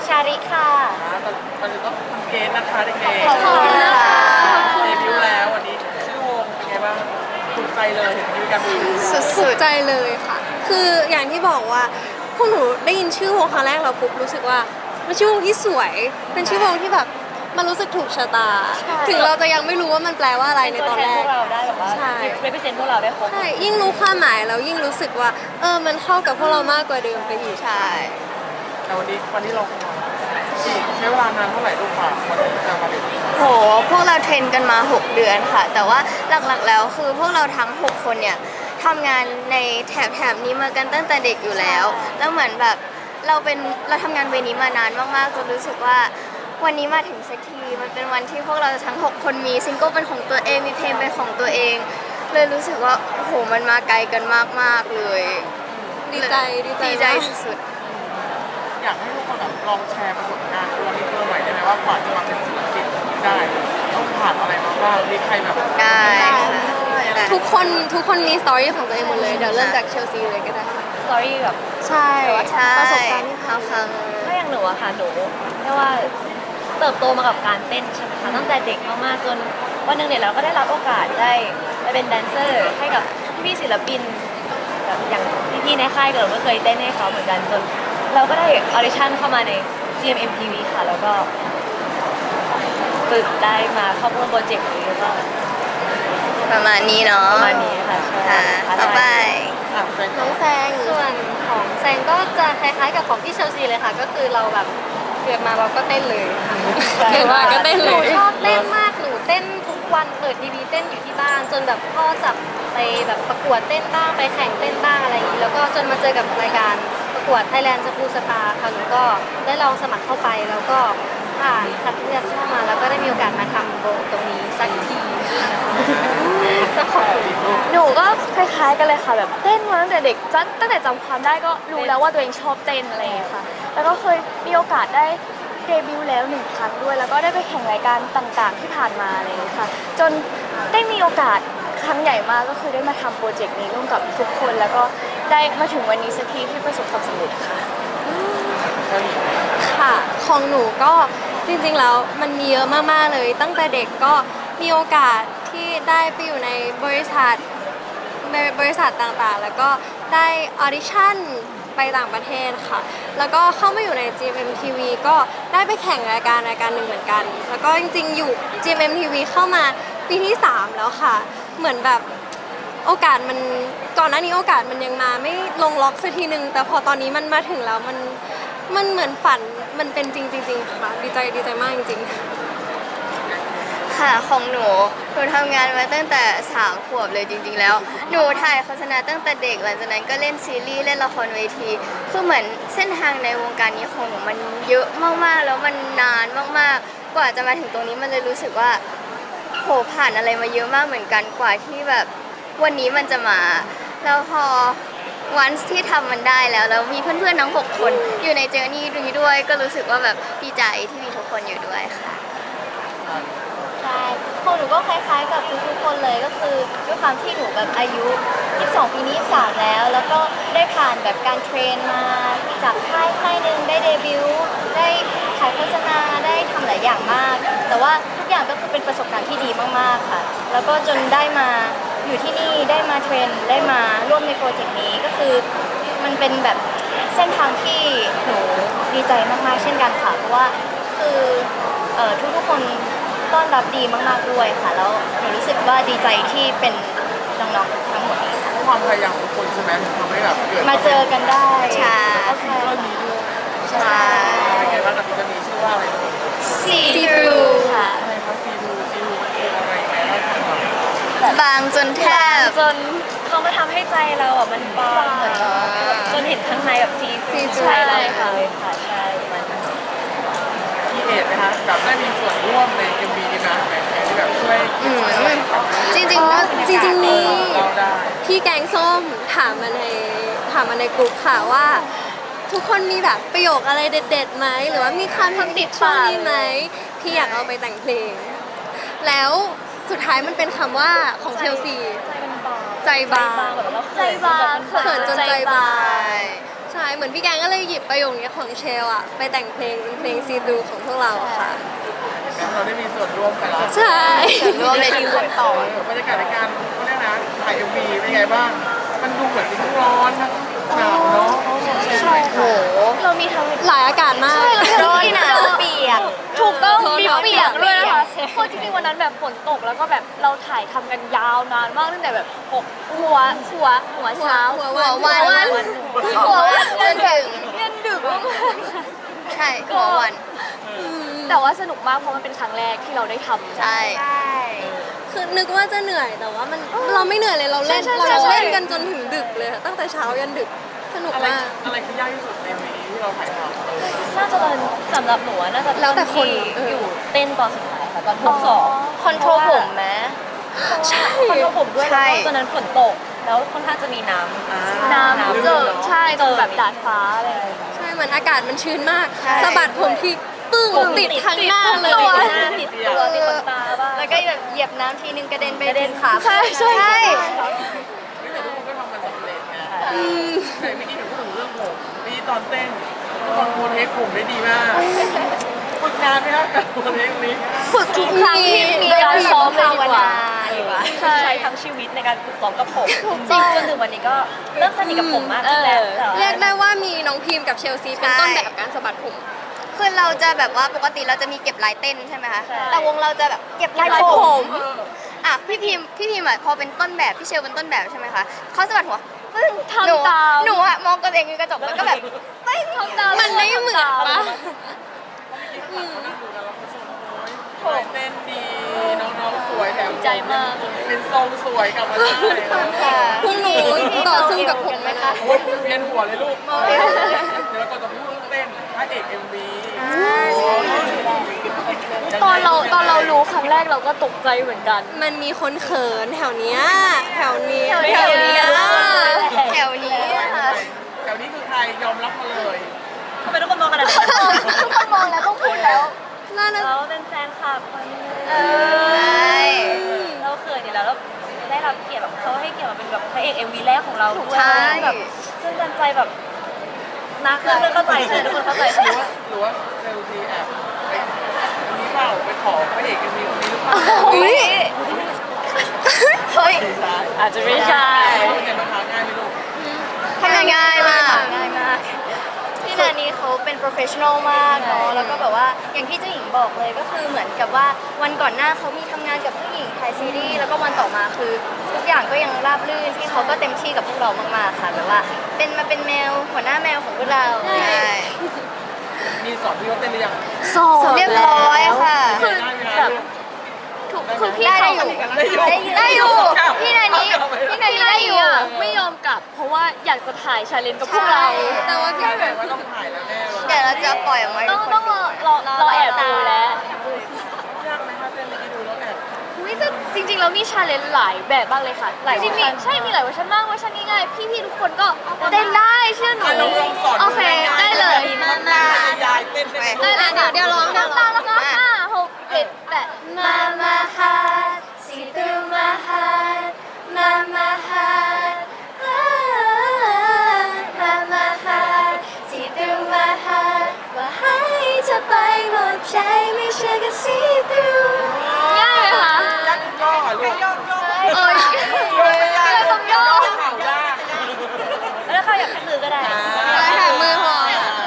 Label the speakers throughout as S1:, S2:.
S1: ชาริค่ะ
S2: ตอนนี้ต้องทำเกณฑ์นะคะเด็กๆ
S1: ขอบคุณนะคะ
S2: เดบิวต์แล้ววันนี้ชื่อวงเป็นไงบ้างถูกใจเลยเห็นมีการดู
S3: ถูกใจเลยค่ะ คืออย่างที่บอกว่าพวกหนูได้ยินชื่อวงครั้งแรกเราปุ๊บรู้สึกว่าเป็นชื่อวงที่สวย เป็นชื่อวงที่แบบมันรู้สึกถูกชะตา ถึงเราจะยังไม่รู้ว่ามันแปลว่าอะไรในตอนแรก
S1: พวกเราได้แบบว่า
S3: ใช่
S1: represent พวกเราได้ครบ
S3: ใช่ยิ่งรู้ความหมายแล้วยิ่งรู้สึกว่ามันเข้ากับพวกเรามากกว่าเดิมไปอีก
S4: ใช่
S2: แต่วันนี้เราฉีกใช้เวลานานเท่าไหร่ลูกค่ะวันที่จะมาเด็ก
S4: โหพวกเราเทรนกันมา 6 เดือนค่ะ แต่ว่าหลักๆแล้วคือพวกเราทั้ง 6 คนเนี่ยทำงานในแถบนี้มากันตั้งแต่เด็กอยู่แล้ว แล้วเหมือนแบบเราทำงานเวนี้มานานมากๆจนรู้สึกว่าวันนี้มาถึงสักทีมันเป็นวันที่พวกเราทั้ง 6 คนมีซิงเกิลเป็นของตัวเองมีเพลงเป็นของตัวเอง เลยรู้สึกว่าโอ้โหมันมาไกลกันมากๆเลย
S3: ดีใจ
S4: ดีใจ
S3: มาก
S4: สุด
S2: อยากให้ทุกคนแบบลองแชร์ประสบการณ์ตัวนี้ตัวหน่อยได้ไหมว่ากว่าจะมาเป็นศิลปินได้ต้องผ่านอะไรมาบ้างมีใครแบบ
S4: ๆได้ค่ะ
S3: ทุกคนมีสตอรี่ของตัวเองหมดเลยเดี๋ยวเริ่มจากเชลซีเลยก็ได้
S1: story แบบ
S3: ใช่
S4: ใช่
S3: ประสบการณ์ที่
S4: เขาครั้ง
S1: ถ้าอย่างหนูอะค่ะหนูเรียกว่าเติบโตมากับการเต้นใช่ไหมคะตั้งแต่เด็กมากๆจนวันหนึ่งเนี่ยเราก็ได้รับโอกาสได้ไปเป็นแดนเซอร์ให้กับพี่ศิลปินแบบอย่างพี่ๆในค่ายเราก็เคยเต้นให้เขาเหมือนกันจนเราก็ได้ออดิชั่นเข้ามาใน GMMTV ค่ะแล้วก็ฝึกได้มาเข้าร่วมโปรเจกต์นี้แล้วก็
S4: ประมาณนี้เนาะ
S1: ประมาณนี้ค่ะใช่
S4: ค่ะต่อไป
S2: แฟน
S3: น้องแซง
S5: ส่วนของแซงก็จะคล้ายๆกับของพี่เชลซีเลยค่ะ ก็คือเราแบบเกิดมาเราก็เต้นเลยค่ะ
S3: เกิดมาก็เต้น
S5: ห
S3: เล
S5: นู
S3: ย
S5: ชอบเต้นมากหนูเต้นทุกวันเปิดทีวีเต้นอยู่ที่บ้านจนแบบพ่อจับไปแบบประกวดเต้นบ้างไปแข่งเต้นบ้างอะไรอย่างนี้แล้วก็จนมาเจอกับรายการประกวด Thailand School Star ค่ะหนูก็ได้ลองสมัครเข้าไปแล้วก็ผ่านคัดเลือกเข้ามาแล้วก็ได้มีโอกาสมาทำโบตรงนี้สักทีก็ขอบคุณ
S6: หนูก็คล้ายๆกันเลยค่ะแบบเต้นมาตั้งแต่เด็กตั้งแต่จำความได้ก็รู้แล้วว่าตัวเองชอบเต้นอะไรอย่างเงี้ยค่ะแล้วก็เคยมีโอกาสได้เดบิวต์แล้ว1 ครั้งด้วย แล้วก็ได้ไปแข่งรายการต่างๆที่ผ่านมาอะไรอย่างเงี้ยค่ะจนได้มีโอกาสครั้งใหญ่มากก็คือได้มาทำโปรเจกต์นี้ร่วมกับทุกคนแล้วก็ได้มาถึงวันนี้สักทีที่ประสบความสำเร็จค่ะ
S3: ค่ะของหนูก็จริงๆแล้วมันมีเยอะมากๆเลย ตั้งแต่เด็กก็มีโอกาสที่ได้ไปอยู่ในบริษัทต่างๆ แล้วก็ได้ออดิชั่นไปต่างประเทศค่ะ แล้วก็เข้ามาอยู่ใน GMMTV ก็ได้ไปแข่งรายการหนึ่งเหมือนกัน แล้วก็จริงๆอยู่ GMMTV เข้ามาปีที่ 3 แล้วค่ะ เหมือนแบบโอกาสมันก่อนหน้านี้โอกาสมันยังมาไม่ลงล็อกสักทีนึง แต่พอตอนนี้มันมาถึงแล้วมันเหมือนฝันมันเป็นจริงๆค่ะดีใจมากจริงๆ
S4: ค่ะของหนูทำงานมาตั้งแต่3 ขวบเลยจริงๆแล้วหนูถ่ายโฆษณาตั้งแต่เด็กหลังจากนั้นก็เล่นซีรีส์เล่นละครเวทีคือเหมือนเส้นทางในวงการนี้ของหนูมันเยอะมากๆแล้วมันนานมากๆกว่าจะมาถึงตรงนี้มันเลยรู้สึกว่าโหผ่านอะไรมาเยอะมากเหมือนกันกว่าที่แบบวันนี้มันจะมาแล้วพอวันที่ทำมันได้แล้วมีเพื่อนๆทั้ง6 คนอยู่ในเจอร์นี่นี้ด้วยก็รู้สึกว่าแบบดีใจที่มีทุกคนอยู่ด้วยค่ะ
S5: ใช่ของหนูก็คล้ายๆกับทุกๆคนเลยก็คือด้วยความที่หนูแบบอายุ22ปีนี้23แล้วก็ได้ผ่านแบบการเทรนมาจากค่ายหนึ่งได้เดบิวต์ได้ถ่ายโฆษณาได้ทำหลายอย่างมาก แต่ว่าทุกอย่างก็คือเป็นประสบการณ์ที่ดีมากๆค่ะ แล้วก็จนได้มาอยู่ที่นี่ได้มาเทรนได้มาร่วมในโปรเจกต์นี้ก็คือมันเป็นแบบเส้นทางที่หนูดีใจมากๆเช่นกันค่ะเพราะว่าคือทุกๆคนต้อนรับดีมากๆด้วยค่ะแล้วหนูรู้สึกว่าดีใจที่เป็นน้องๆทั้งหมดนี้ค่ะ
S2: ความพยายามของทุกคนใช่ไหมทำให้แบบเกิด
S5: มาเจอกันได้
S4: ใช่
S2: แล้วก็ซิงเกิลนี้ด้วย
S4: ใช่
S2: เป็นไงบ้างกับซิงเกิลนี้ชื่อว่าอะไร
S4: See through ค่ะ
S2: อะไรครับซีรูมันคืออะไรแม่เล่าให้ฟังหน่อย
S4: บางจนแทบ
S1: จนเขามาทำให้ใจเราอ่ะมันบางเหมือนจนเห็นข้างในแบบซี
S3: ใช่
S1: ใช่ค่ะใช่มัน
S2: พี่เอกไหมคะแบบได้มีส่วนร่วมใน MV นี้นะแม่ที่แบบช่วย
S4: จริง
S3: อ๋อ
S4: ๆ
S3: จริงๆมี
S2: เราได้
S3: พี่แกงส้มถามมาในกลุ่มค่ะว่า ทุกคนมีแบบประโยคอะไรเด็ดๆไหมหรือว่ามีคำติดช่วงนี้ไหมพี่อยากเอาไปแต่งเพลง แล้วสุดท้ายมันเป็นคำว่าของเชลซี
S1: ใจมันบาง
S3: ใจบาง
S1: แบบเรา
S6: ใจบาง
S3: เขินจนใจบาง
S4: ใช่
S3: ใช่ช่เหมือนพี่แกงก็เลยหยิบประโยคนี้ของเชลอะไปแต่งเพลงเป็นเพลงซีดูของพวกเราอะค่ะ
S2: งั้นเราได้มีส่วนร่วมกันแล้ว
S3: ใช่
S4: รวมเลยทีมต่อบ
S2: รรยากาศในการเขาเรียกนะถ่าย MV เป็นไงบ้าง มันดูเหมือนเป็นทั้งร้อนทั้งหนาวเนาะ
S4: ใช่โห
S6: เรามีทั้ง
S3: หลายอากาศมาก
S6: ร้อนหนาวเปียก ถูกต้อง
S3: ร้อน
S6: มี
S3: หนาว
S6: เปียกด้วยนะคะ
S3: เปียก
S6: เพราะจริงๆวันนั้นแบบฝนตกแล้วก็แบบเราถ่ายทำกันยาวนานมากตั้งแต่แบบหัวเช้า
S3: หัว
S4: หัว
S3: วัน
S4: วัน
S6: หัววัน
S4: จนถึง
S6: ยันดึกมาก
S4: ใช่หัววัน
S6: แต่ว่าสนุกมากเพราะมันเป็นครั้งแรกที่เราได้ทำ
S4: ใช่
S3: คือนึกว่าจะเหนื่อยแต่ว่ามันเราไม่เหนื่อยเลยเราเล่น
S6: ใช่
S3: เรา
S6: ใช่
S3: เล่นกันจนถึงดึกเลยค่ะตั้งแต่เช้ายันดึกสนุก
S2: อะไร
S3: มาก
S2: อะไรคือยากที่สุดใน MV ที่เราถ่ายทำ
S1: น่าจะเป็นสำหรับหนูอะน่าจะ
S3: แล้วแต่คน
S1: ที่อยู่เต้นตอนสุดท้ายค่ะตอนฮุกสอง
S6: คอนโทรลผมไหม
S3: ใช่
S1: คอนโทรลผมด้วย
S4: ใช่
S1: แล้วก็ตอนนั้นฝนตก แล้วค่อนข้างจะมีน้ำ
S6: น้ำเจอใช่ตรงแบบดาดฟ้าอะไรอย่างเงี้ย
S3: ใช่เหมือนอากาศมันชื้นมาก
S4: ใช่
S3: สะบัดผมที่ปึ้งติดข้างหน้าเลย
S1: ติดหน้าติดตัวติดขนตาบ้าง
S4: แล้วก็แบบเหยียบน้ำทีนึงกระเด็นไป
S1: กระเด็นขา
S6: ใช่ใช่
S4: ใช่
S2: แต่ทุกคนก็ทำมันสำเร็จไงแต่เมื่อกี้เห็นพูดถึงเรื่องผมนี่ตอนเต้นทุกคนโพเทคผมได้ดีมากฝึกนานไหมครับกับโพเทคนี้
S6: ฝึกทุกครั้งที่มีการซ้อมเลยดีกว่า
S1: ใช้ทั้งชีวิตในการฝึกซ้อมกับผมจริงจนถึงวันนี้ก็เริ่มสนิทกับผมมากขึ้นแล้วแต่ว่า
S3: เรียกได้ว่ามีน้องพิมพ์กับเชลซีเป็นต้นแบบการสะบัดผม
S4: คือเราจะแบบว่าปกติเราจะมีเก็บลายเต้นใช่ไหมคะ
S1: ใช่
S4: แต่วงเราจะแบบเก็บลาย
S6: ลาย
S4: ผ
S6: ผม ม
S4: อ่ะพี่พิมพ์อ่ะพอเป็นต้นแบบพี่เชลเป็นต้นแบบใช่ไหมคะเขาสะบัดหัวปึ้ง
S6: ทำ
S4: หนู
S6: ตาม
S4: หนูอะมองตัวเองในกระจกแล้วก็แบบไม่ทำตาม
S3: มันไม่เหมือนปะ
S2: เขานั่งดูกันแล้วเขาชมโอ้ยเต้นดีน้องๆสวยแถม
S6: ใจมาก
S2: เป็นทรงสวยกลับมาได้
S4: ค่ะ
S3: พวกหนูต่อสู้กับผมไหมคะ
S2: โอ้ยเวียนหัวเลยลูกเดี๋ยวเราก็จะพูดเรื่องเต้นพระเอก MV
S6: ตอนเรารู้ครั้งแรกเราก็ตกใจเหมือนกัน
S3: มันมีคนเขินแถวเนี้ยแถวนี้
S6: แถวเนี้ย
S4: แถวนี้อะค่ะ
S2: แถวนี้คือใครยอมรับมาเลย
S1: ทำไมทุกคนมองขนาดนั้น
S6: ทุกคนมองแล้วต้องพูดแล้ว
S3: น่าจะ
S1: เราเป็นแฟนคลับคนนึง
S4: ใช่
S1: เราเขินอยู่แล้วได้รับเกียรติแบบเขาให้เกียรติมาเป็นแบบพระเอก MV แรกของเราด้วย
S4: ใช่
S1: แบบซึ่งกันใจแบบนักเลยเข้าใจใช่ทุกคนเข้าใจใช่
S2: หรือว่าเซลซีแอบไปอันนี้เปล่าไปขอพระเอก MV คนนี้หรือเปล่า
S3: อุ้ย
S4: เฮ้ย
S1: อาจจะไม่ใช่
S2: เป็นไงบ้างคะง่ายไหมลูก
S4: ทำงานง่ายมาก
S5: ง่ายมากพี่นานี้เขาเป็น professional มากเนาะแล้วก็แบบว่าอย่างที่เจ้าหญิงบอกเลยก็คือเหมือนกับว่าวันก่อนหน้าเขามีทำงานกับผู้หญิงถ่ายซีรีส์แล้วก็วันต่อมาคือทุกอย่างก็ยังราบรื่นที่เขาก็เต็มที่กับพวกเรามากๆค่ะแบบว่าเป็นแมวหัวหน้าแมวของพวกเรา
S4: ใช่
S2: มีสอนพี่เขาเต้นหรือยัง
S6: สอบ
S4: เรียบร้อยค่ะ
S2: ได้ไหมคะ
S6: คือพี่
S4: ได้
S6: เขา
S4: อยู่
S2: ได้อยู่
S4: พี่นานี้ได้อยู่
S6: ไม่ยอมกลับ เพราะว่าอยากจะถ่ายชาเลนจ์กับพวกเรา
S3: แต่ว่าพี่
S2: แต่ว่าต้องถ่ายแล้วแน่เลย
S4: เดี๋ยวเราจะปล่อยออกมาให้
S6: ต้
S4: ทุ
S6: อง
S4: กคน
S6: ต้องรอแอบดูแล้ว
S2: ยากไหมคะเต้นเมื่อกี้ดูแล้วแอบ
S6: อุ๊ยแต่จริงๆแล้วมีชาเลนจ์หลายแบบมากเลยค่ะจริงๆมีใช่มีหลายเวอร์ชันมากเวอร์ชันง่ายๆพี่ๆทุกคนก็เต้นได้เชื่อหนู
S2: ลองสอน
S6: โอเคได้เลย
S2: ยายเต้นได้ไหม
S6: ได้เลยเดี๋ยวร้องน้ำตาแล้วก็5 6 7 8
S5: Mama heart see through my heart Mama heart Mama heart see through my heart ว่าให้เธอไปหมดใจไม่เชื่อก็ see through
S6: ง่ายไหมคะ
S2: ยักย่อลูก
S6: โอ้ย
S2: ต้องย่อเข่าได้
S1: แล้วเขาอยากแค่มือก็ได้
S3: ถ่ายมือพอ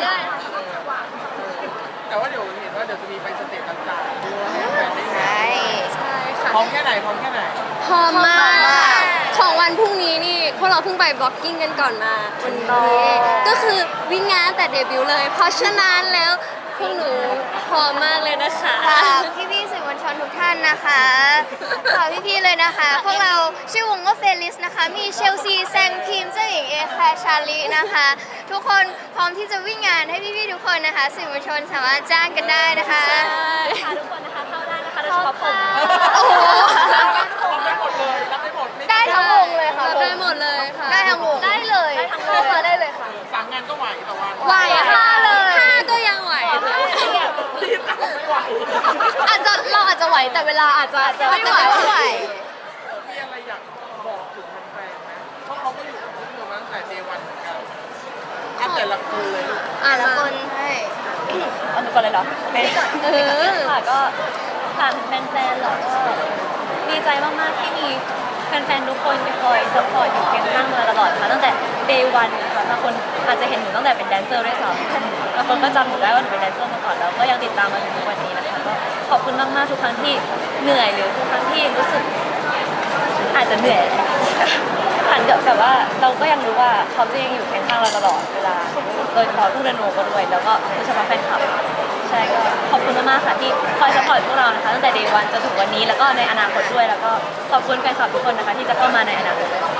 S2: แต่ว่าเดี๋ยวเห็นว่าเดี๋ยวจะมีไปสเตจต่างๆด้วยให้แฟนได้
S4: ใช่
S3: ใช่ค่ะ
S2: พร้อมแค่ไหนพร้อมแค่ไหน
S3: พร้อมมากของวันพรุ่งนี้นี่พวกเราเพิ่งไปบล็อกกิ้งกันก่อนมาวันนี้ก็คือวิ่งงานแต่เดบิวต์เลย เพราะฉะนั้นแล้วพวกหนูพร้อมมากเลยนะคะ
S4: ฝากพี่ๆสื่อมวลชนทุกท่านนะคะฝากพี่ๆเลยนะคะ พวกเราชื่อวงว่าเฟลิสนะคะ มีเชลซีแซงพิมพ์เจ้าหญิงเอแคร์ชาลีนะคะ ทุกคนพร้อมที่จะวิ่งงานให้พี่ๆทุกคนนะคะ สื่อมวลชนสามารถจ้างกันได้นะคะ
S1: ค่ะทุกคนนะคะเข้าได้นะคะโดยเฉพาะผม
S4: โอ้โห
S2: รับได้หมดเลยรับได้หมดไม่
S4: ได้ทั้งวงเลยค่ะ
S3: รับได้หมดเลยค่ะ
S4: ได้ทั้งวง
S6: ได้เลยเข้ามาได้เลยค่ะ
S2: สั่งงานก็ไหวแต่ว่า
S3: ไหว
S6: ห้าเลย
S3: ห้าก็ยังไหว
S2: รีบทำไม่ไหว
S6: เราอาจจะไหวแต่เวลาอาจจะไม่ไหว
S4: ไม่ไหว
S2: มีอะไรอยากบอกถึงแฟนๆไหมเพราะเขาก็อยู่กับพวกเธอมาตั้งแต่เดวันเหมือนกันแต่ละคนเลยลูก
S4: ละคนใช่
S1: เอาหนูก่อนเลยเหรอโอเคค่ะก็ฝากถึงแฟนๆเหรอก็ดีใจมากๆที่มีแฟนๆทุกคนคอยซัพพอร์ตอยู่เคียงข้างมาตลอดค่ะตั้งแต่ day one นะคะบางคนอาจจะเห็นหนูตั้งแต่เป็นแดนเซอร์ด้วยซ้ำบางคนก็จำหนูได้ว่าหนูเป็นแดนเซอร์มาก่อนแล้วก็ยังติดตามมาถึงทุกวันนี้นะคะก็ขอบคุณมากๆทุกครั้งที่เหนื่อยหรือทุกครั้งที่รู้สึกอาจจะเหนื่อยผ่านแต่ว่าเราก็ยังรู้ว่าเขาจะยังอยู่เคียงข้างเราตลอดเวลาโดยเฉพาะลูกเรโนก็ด้วยแล้วก็โดยเฉพาะแฟนคลับใช่ก็ขอบคุณมากๆค่ะที่คอยซัพพอร์ตพวกเรานะคะตั้งแต่ day one จนถึงวันนี้แล้วก็ในอนาคตด้วยแล้วก็ขอบคุณแฟนคลับทุกคนนะคะที่จะเข้ามาในอนาคตด้วย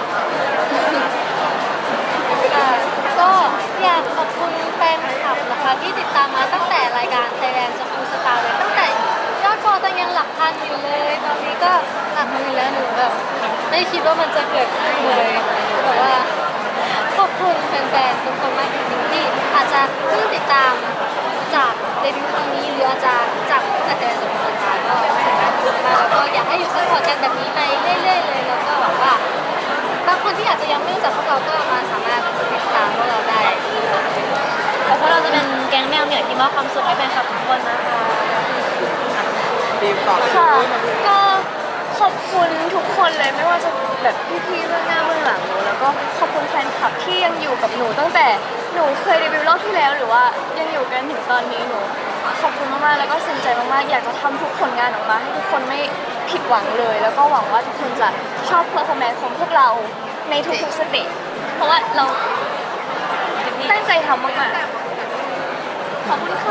S5: ก็อยากขอบคุณแฟนคลับนะคะที่ติดตามมาตั้งแต่รายการ Thailand School Star เลยตั้งแต่ยอดฟอลตังยังหลักพันอยู่เลย ตอนนี้ก็หลักหมื่นแล้วหนูแบบไม่คิดว่ามันจะเกิดขึ้นเลยแต่ว่าขอบคุณแฟนๆทุกคนมากจริงๆที่อาจจะเพิ่งติดตามจากเดบิวต์ครั้งนี้หรืออาจจะจากตั้งแต่ Thailand School Star ก็ขอบคุณมากแล้วก็อยากให้อยู่ซัพพอร์ตกันแบบนี้ไปเรื่อยๆเลยแล้วก็หวังว่าบางคนที่อาจจะยังไม่รู้จักพวกเราก็มาสามารถติดตามพวกเราได้
S1: เพราะเราจะเป็นแก๊งแมวเหนือที่มอบความสุขให้แฟนคลับทุกคนนะคะ
S2: ดีมต่อเลย
S6: ค่ะก็ขอบคุณทุกคนเลยไม่ว่าจะแบบพี่ๆเบื้องหน้าเบื้องหลังหนูแล้วก็ขอบคุณแฟนคลับที่ยังอยู่กับหนูตั้งแต่หนูเคยเดบิวต์รอบที่แล้วหรือว่ายังอยู่กันถึงตอนนี้หนูขอบคุณมากๆแล้วก็สนใจมากๆอยากจะทำทุกผลงานออกมาให้ทุกคนไม่ผิดหวังเลย แล้วก็หวังว่าทุกคนจะชอบเพอร์ฟอร์แมนซ์ของพวกเราในทุกๆสเตจเพราะว่าเราตั้งใจทำมากๆขอบคุณค่ะ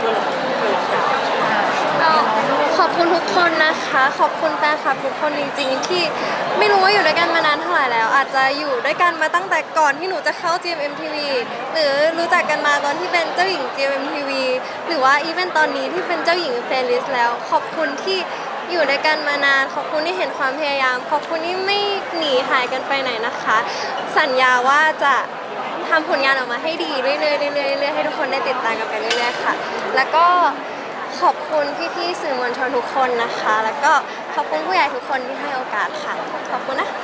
S3: ขอบคุณทุกคนนะคะ ขอบคุณแฟนคลับทุกคนจริงๆ ที่ไม่รู้ว่าอยู่ด้วยกันมานานเท่าไหร่แล้ว อาจจะอยู่ด้วยกันมาตั้งแต่ก่อนที่หนูจะเข้า GMMTV หรือรู้จักกันมาตอนที่เป็นเจ้าหญิง GMMTV หรือว่าอีเวนต์ตอนนี้ที่เป็นเจ้าหญิงเฟรลิสแล้ว ขอบคุณที่อยู่ด้วยกันมานาน ขอบคุณที่เห็นความพยายาม ขอบคุณที่ไม่หนีหายกันไปไหนนะคะ สัญญาว่าจะทำผลงานออกมาให้ดีเรื่อยๆเรื่อยๆเรื่อยๆให้ทุกคนได้ติดตามกันไปเรื่อยๆค่ะ แล้วก็ขอบคุณพี่ๆสื่อมวลชนทุกคนนะคะ แล้วก็ขอบคุณผู้ใหญ่ทุกคนที่ให้โอกาสค่ะ ขอบคุณนะ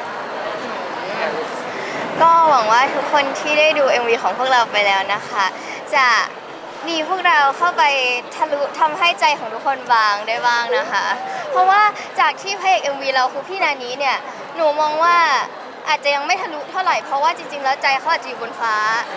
S4: ก็หวังว่าทุกคนที่ได้ดู MV ของพวกเราไปแล้วนะคะ จะมีพวกเราเข้าไปทะลุทำให้ใจของทุกคนบางได้บ้างนะคะ เพราะว่าจากที่พระเอก MV เราคือพี่นานี้เนี่ยหนูมองว่าอาจจะยังไม่ทะลุเท่าไหร่เพราะว่าจริงๆแล้วใจเขาอาจจะอยู่บนฟ้า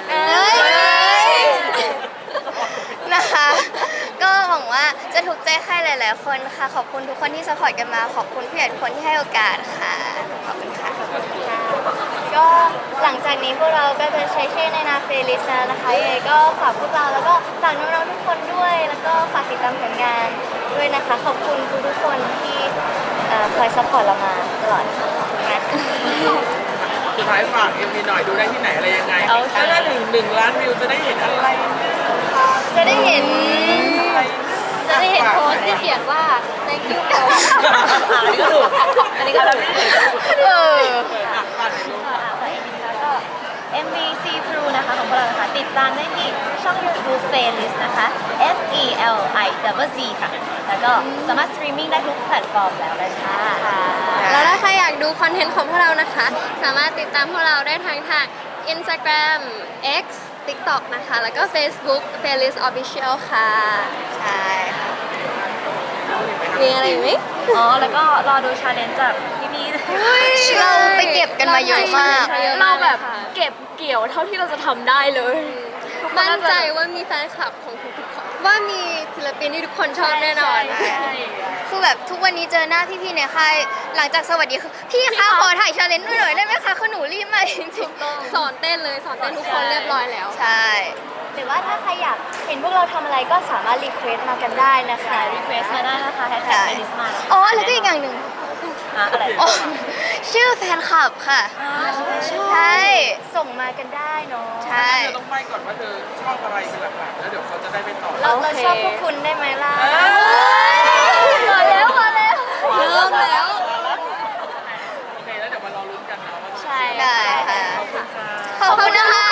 S4: นะคะ ก็หวังว่าจะถูกใจใครหลายๆคนค่ะ ขอบคุณทุกคนที่สปอร์ตกันมา ขอบคุณผู้ใหญ่ทุกคนที่ให้โอกาสค่ะ ขอบคุณค่ะ
S5: ก็หลังจากนี้พวกเราก็จะใช้ชื่อในนาเฟลิสแล้วนะคะยังไงก็ฝากพวกเราแล้วก็ฝากน้องๆทุกคนด้วย แล้วก็ฝากติดตามผลงานด้วยนะคะ ขอบคุณทุกๆคนที่คอยซัพพอร์ตเรามาตลอดค่ะขอบคุณมากค่ะ
S2: สุดท้ายฝาก MV หน่อยดูได้ที่ไหนอะไรยังไงถ้าได้1 ล้านวิวจะได้เห็นอะไร
S5: จะได้เห็น
S6: จะได้เห็นโพสต์ที่เขียนว่า thank you for
S1: อันนี้ก็ถูกอันนี้ก็ถูก
S2: ฝากในรูป
S1: ก็ MVC Pro นะคะของพวกเรานะคะติดตามได้ที่ช่อง YouTube Playlist นะคะ FELIZZ ค่ะ แล้วก็สามารถสตรีมมิ่งได้ทุกแพลตฟอร์มแล้วเลยค่ะ
S3: แล้วถ้าใครอยากดูคอนเทนต์ของพวกเรานะคะ สามารถติดตามพวกเราได้ทางInstagram X TikTok นะคะ แล้วก็ Facebook Playlist Official ค่ะ
S4: ใช่ค่ะ
S3: มีอะไรอีกไหม
S1: อ๋อ แล้วก็รอดูชาเลนจ์จากพี่ๆ
S4: เราไปเก็บกันมาเยอะมาก
S6: เราแบบเก็บเกี่ยวเท่าที่เราจะทำได้เลยทุกคน
S3: มั่น
S6: น่า
S3: ใจว่ามีแฟนคลับของทุกๆคนว่ามีศิลปินที่ทุกคนชอบแน่นอน
S6: ใช่
S4: คือแบบทุกวันนี้เจอหน้าพี่ๆในค่ายหลังจากสวัสดีคือพี่คะขอถ่ายชาเลนจ์ด้วยหน่อยได้ไหมคะคือหนูรีบมาจริง
S3: สอนเต้นเลยสอนเต้นทุกคนเรียบร้อยแล้ว
S4: ๆใช่
S5: หรือว่าถ้าใครอยากเห็นพวกเราทำอะไรก็สามารถรีเควสมากันได้นะคะ
S1: รีเควสมาได้นะคะแฮชแท็ก Playlist มานะคะ
S4: อ๋อแล้วก็อีกอย่างหนึ่ง
S1: อะไร
S4: อ๋อชื่อแฟนคลับค่ะ ใช่
S5: ส่งมากันได้เนาะ
S4: ใช่
S2: เธอต้องไปก่อนว่าเธอชอบอะไรเป็นหลักๆแล้วเดี๋ยวเขาจะได้ไปต่อ
S5: เราชอบพวกคุณได้ไหมล่ะ
S6: มาแล้วมาแล้ว
S3: เริ่มแล้ว
S2: โอเคแล้วเดี๋ยวมารอลุ้นกันนะว่า
S6: ใช่
S4: ได้ค่ะ
S2: ขอบคุณค่ะ
S4: ขอบคุณนะคะ